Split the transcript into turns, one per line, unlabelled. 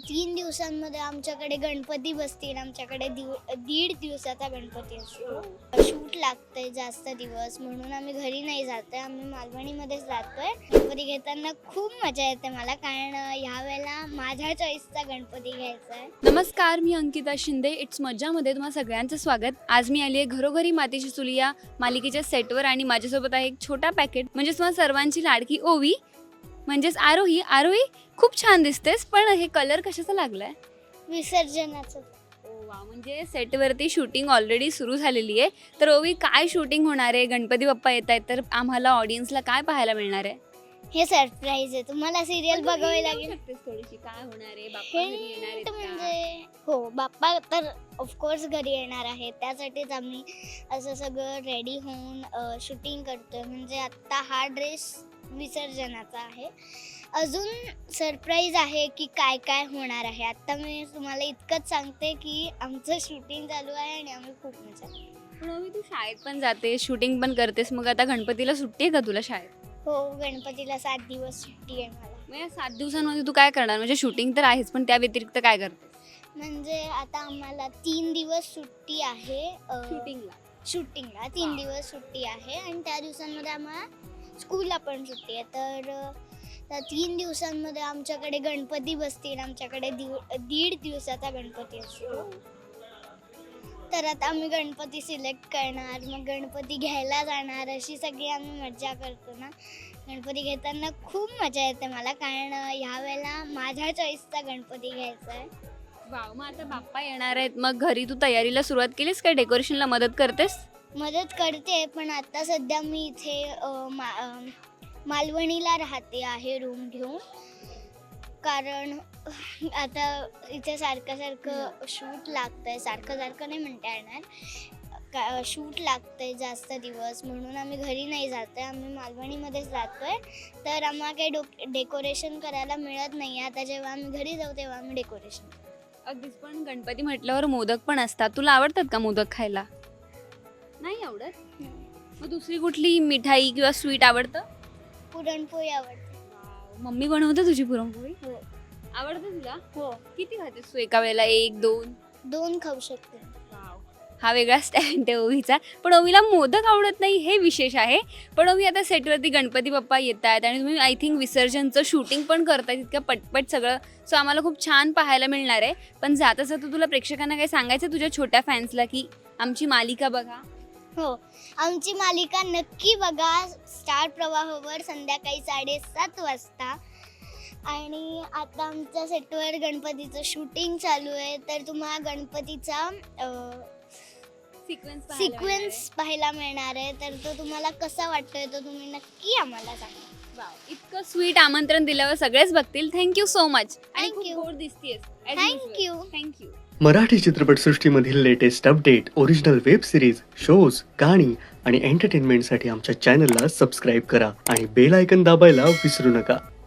3 दिवसांमध्ये आमच्याकडे गणपती बसतील. आमच्याकडे 1.5 दिवसाचा गणपती असतो. शूट लागतंय जास्त दिवस म्हणून आम्ही घरी नाही जातोय, आम्ही मालवणीमध्येच जातोय. गणपती घेताना खूप मजा येते मला, कारण ह्यावेळेला माझ्या चॉईसचा गणपती घ्यायचा आहे.
नमस्कार, मी अंकिता शिंदे. इट्स मज्जामध्ये तुम्हा सगळ्यांचं स्वागत. आज मी आली आहे घरोघरी मातीची चुली या मालिकेच्या सेटवर आणि माझ्यासोबत आहे एक छोटा पॅकेट म्हणजे तुम्हा सर्वांची लाडकी ओवी म्हणजेच आरोही. आरोही खूप छान दिसतेस, पण हे कलर कशाचा लागलाय?
विसर्जनाचं.
वा, म्हणजे सेटवरती शूटिंग ऑलरेडी सुरू झालेली आहे. तर ओवी, काय शूटिंग होणार आहे? गणपती बाप्पा येत आहेत, तर आम्हाला ऑडियन्सला काय पाहायला मिळणार आहे?
हे सरप्राईज आहे, तुम्हाला सिरियल बघावी लागेल.
थोडीशी काय होणार आहे? बाप्पा घरी येणार आहेत
हिंट
का?
म्हणजे हो, बाप्पा तर ऑफकोर्स घरी येणार आहे. त्यासाठीच आम्ही असं सगळं रेडी होऊन शूटिंग करतोय. म्हणजे आत्ता हा ड्रेस विसर्जनाचा आहे. अजून सरप्राईज आहे की काय काय होणार आहे. आत्ता मी तुम्हाला इतकंच सांगते की आमचं शूटिंग चालू आहे आणि आम्ही खूप मजा करतो.
पण ओवी, तू शाळेत पण जाते, शूटिंग पण करतेस, मग आता गणपतीला सुट्टी आहे का तुला शाळेत?
हो, गणपतीला 7 दिवस सुट्टी आहे मला.
मग या 7 दिवसांमध्ये तू काय करणार? म्हणजे शूटिंग तर आहेच, पण त्या व्यतिरिक्त काय करते?
म्हणजे आता आम्हाला 3 दिवस सुट्टी आहे. शूटिंगला 3 दिवस सुट्टी आहे आणि त्या दिवसांमध्ये आम्हाला स्कूलला पण सुट्टी आहे. तर त्या 3 दिवसांमध्ये आमच्याकडे गणपती बसतील. आमच्याकडे 1.5 दिवसाचा गणपती असतो. तर आता आम्ही गणपती सिलेक्ट करणार, मग गणपती घ्यायला जाणार, अशी सगळी आम्ही मजा करतो ना. गणपती घेताना खूप मजा येते मला, कारण ह्यावेळेला माझ्या चॉईसचा गणपती घ्यायचा आहे.
वाव, मग आता बाप्पा येणार आहेत, मग घरी तू तयारीला सुरुवात केलीस का? डेकोरेशनला मदत करतेस?
मदत करते, पण आता सध्या मी इथे मालवणीला राहते आहे रूम घेऊन, कारण आता इथे सारखं शूट लागतंय. सारखं नाही म्हणता येणार, शूट लागतंय जास्त दिवस म्हणून आम्ही घरी नाही जातोय, आम्ही मालवणीमध्येच जातोय. तर आम्हाला काही डेकोरेशन करायला मिळत नाही. आता जेव्हा आम्ही घरी जाऊ तेव्हा आम्ही डेकोरेशन.
अगदीच, पण गणपती म्हटल्यावर मोदक पण असतात. तुला आवडतात का मोदक खायला? नाही आवडत? मग दुसरी कुठली मिठाई किंवा स्वीट आवडतं?
पुरणपोळी आवडते.
मम्मी बनवते तुझी पुरणपोळी?
हो
आवडतं तुला?
हो,
किती खातेस तू एका वेळेला? 1, 2?
2 खाऊ शकते.
हा वेगळा स्टँड आहे ओवीचा. पण ओवीला मोदक आवडत नाही हे विशेष आहे. पण ओवी, आता सेटवरती गणपती बाप्पा येत आहेत आणि तुम्ही आय थिंक विसर्जनचं शूटिंग पण करताय इतकं पटपट सगळं. सो आम्हाला खूप छान पाहायला मिळणार आहे. पण जाता जाता तुला प्रेक्षकांना काय सांगायचं तुझ्या छोट्या फॅन्सला की आमची मालिका बघा?
हो, आमची मालिका नक्की बघा स्टार प्रवाहावर संध्याकाळी 7:30 वाजता. आणि आता आमच्या सेटवर गणपतीचं शूटिंग चालू आहे, तर तुम्हाला गणपतीचा सिक्वेन्स पाहायला मिळणार आहे. तर तो तुम्हाला कसा वाटतोय तो तुम्ही नक्की आम्हाला सांगा.
इतकं स्वीट आमंत्रण दिल्यावर सगळेच बघतील. Thank you so much. आणि
Thank
खूप
you.
गोड दिसतेस.
थँक्यू.
थँक्यू.
मराठी चित्रपटसृष्टीमधील latest update, original web series, shows, गाणी आणि एंटरटेनमेंटसाठी आमच्या चॅनलला सबस्क्राईब करा आणि बेल आयकॉन दाबायला विसरू नका.